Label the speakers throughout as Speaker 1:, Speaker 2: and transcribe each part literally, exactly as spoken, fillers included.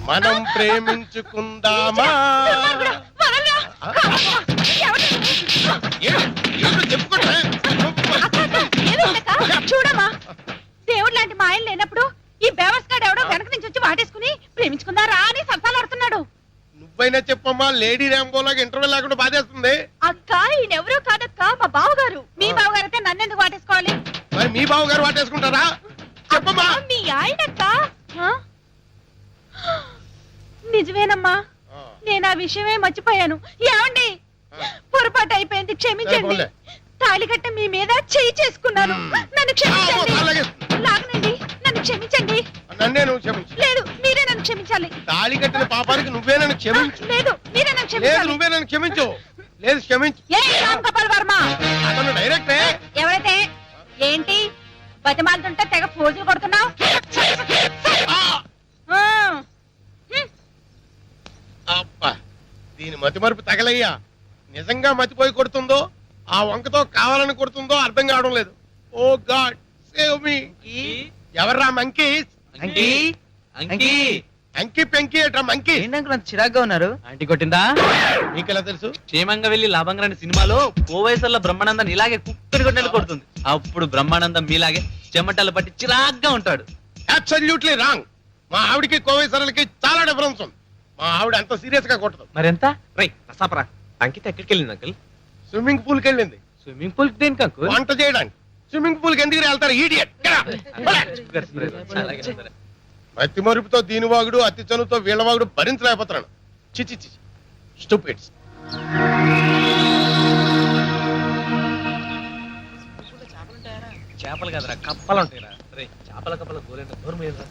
Speaker 1: మనం ప్రేమించుకుందామా?
Speaker 2: చూడమా, దేవుడు లాంటి మా ఆయన లేనప్పుడు ఈ బేవస్గాడు ఎవడో వెనక నుంచి వచ్చి వాటేసుకుని ప్రేమించుకుందారా అని సత్తాలాడుతున్నాడు.
Speaker 1: నువ్వైనా చెప్పమ్మా, లేడీ ర్యాంబోలాగా ఇంటర్వ్యూ లేకుండా బాధేస్తుంది.
Speaker 2: అక్క ఈయనెవరో కాదక్క, మా బావగారు. మీ బావగారు అయితే నన్నెందుకు వాటేసుకోవాలి?
Speaker 1: మరి మీ బావ గారు వాటేసుకుంటారా? చెప్పమ్మా.
Speaker 2: మీ ఆయనక్క. నిజమేనమ్మా, నేను ఆ విషయమే మర్చిపోయాను. ఏమండి, పొరపాటు అయిపోయింది, క్షమించండి. తాళి కట్ట మీ మీద చేయి చేసుకున్నాను, నన్ను క్షమించండి. లాగనండి, నన్ను క్షమించండి.
Speaker 1: నన్నే నువ్వు క్షమించు.
Speaker 2: లేదు, మీరే నన్ను క్షమించాలి.
Speaker 1: తాళి కట్టిన పాపానికి నువ్వే నన్ను క్షమించు.
Speaker 2: లేదు, మీరే నన్ను
Speaker 1: లేదు,
Speaker 2: క్షమించాలి.
Speaker 1: నువ్వే నన్ను క్షమించు. లేదు, క్షమించు.
Speaker 2: ఏ రామ్ గోపాల్ వర్మ,
Speaker 1: అతను డైరెక్టే.
Speaker 2: ఎవరైతే ఏంటి బతిమాలుతుంటే తెగ పోజులు కొడుతున్నావు?
Speaker 1: అబ్బా, దీని మతి మరుపు తగలయ్యా. నిజంగా మతిపోయి కొడుతుందో ఆ వంకతో కావాలని కొడుతుందో అర్థం కావడం లేదు. Oh god save me. ఎవర్రా మంకీ? అంకి పెంకి ఏట్రా మంకీ?
Speaker 3: ఏంటంటే చిరాగ్గా ఉన్నారు? ఆంటీ కొట్టిందా?
Speaker 1: నీకెలా తెలుసు?
Speaker 3: క్షేమంగా వెళ్లి లాభంగా రాని సినిమాలో కోవైసర్ల బ్రహ్మానందం ఇలాగే కుక్కడి కొట్టేది కొడుతుంది. అప్పుడు బ్రహ్మానందం మీలాగే చెమటలు పట్టి చిరాగ్గా ఉంటాడు.
Speaker 1: Absolutely wrong. మా ఆవిడికి కోవైసర్లకి చాలా డిఫరెన్స్ ఉంది. మా ఆవిడ అంత సీరియస్ గా కొట్టదు.
Speaker 3: మరెంత?
Speaker 4: రై రసాపరా, అంకిత ఎక్కడికి వెళ్ళింది అంకుల్?
Speaker 1: స్విమ్మింగ్ పూల్ కి వెళ్ళింది.
Speaker 3: స్విమ్మింగ్ పూల్ దేనికి అంకుల్?
Speaker 1: వంట చేయడానికి. స్విమ్మింగ్ పూల్ కి ఎందుకు వెళ్తారు ఈడియట్? అతి మరుపుతో దీని వాగుడు, అతి చనువుతో వీళ్ళ వాగుడు భరించలేకపోతున్నాను. చిచి చిచి స్టూపిడ్స్.
Speaker 4: చేపలు కదరా, కప్పలు ఉంటాయిరా. రే చేపల కప్పల గోలేంట దూరం ఏంట్రా?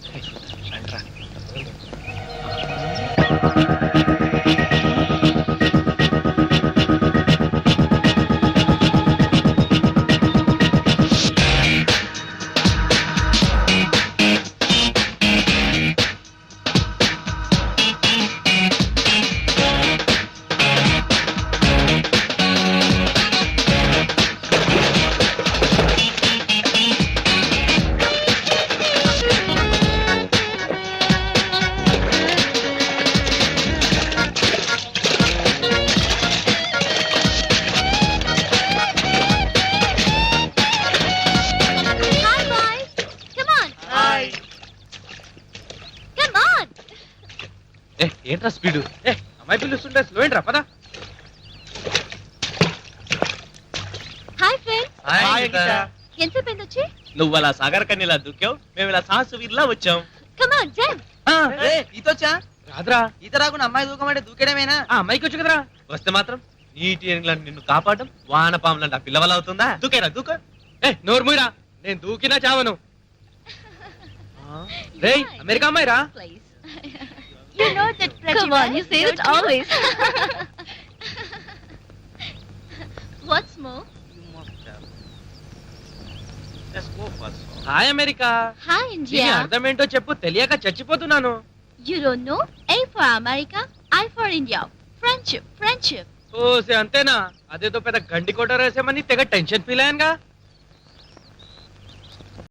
Speaker 4: ఏంట్రా స్పీడ్? ఏ అమ్మాయి పిలుస్తుంటే స్లో ఏంట్రా, పద.
Speaker 2: Hi friends.
Speaker 4: హాయ్
Speaker 2: ఎంతసేపు అయింది వచ్చి?
Speaker 4: నువ్వు అలా సాగర్ కన్నీలా దూకావు, మేము ఇలా సాహసు వీర్లా వచ్చాం.
Speaker 2: Come on jump.
Speaker 3: ఈతొచ్చా?
Speaker 4: రాదురా.
Speaker 3: ఈత రాకుండా అమ్మాయి దూకమంటే దూకేయడమేనా?
Speaker 4: ఆ అమ్మాయికి వచ్చు కదరా. వస్తే మాత్రం నీటి ఏనుగులను నిన్ను కాపాడడం వాన పాములంట పిల్లవల అవుతుందా? దూకేరా, దూక. ఏ నోరు మూయరా, నేను దూకినా చావను. రే అమెరికా అమ్మాయి రా.
Speaker 2: You know that pretty Come on, you say it always. What's more?
Speaker 4: Hi America.
Speaker 2: Hi
Speaker 4: దీని
Speaker 2: India.
Speaker 4: అర్థం ఏంటో చెప్పు, తెలియక చచ్చిపోతున్నాను.
Speaker 2: You don't know? A for America, I for India. Friendship, friendship.
Speaker 4: ఓసే అంతేనా? అదేదో పెద్ద గండి కొట్ట రాసామని తెగ టెన్షన్ ఫీల్ అయ్యానుగా.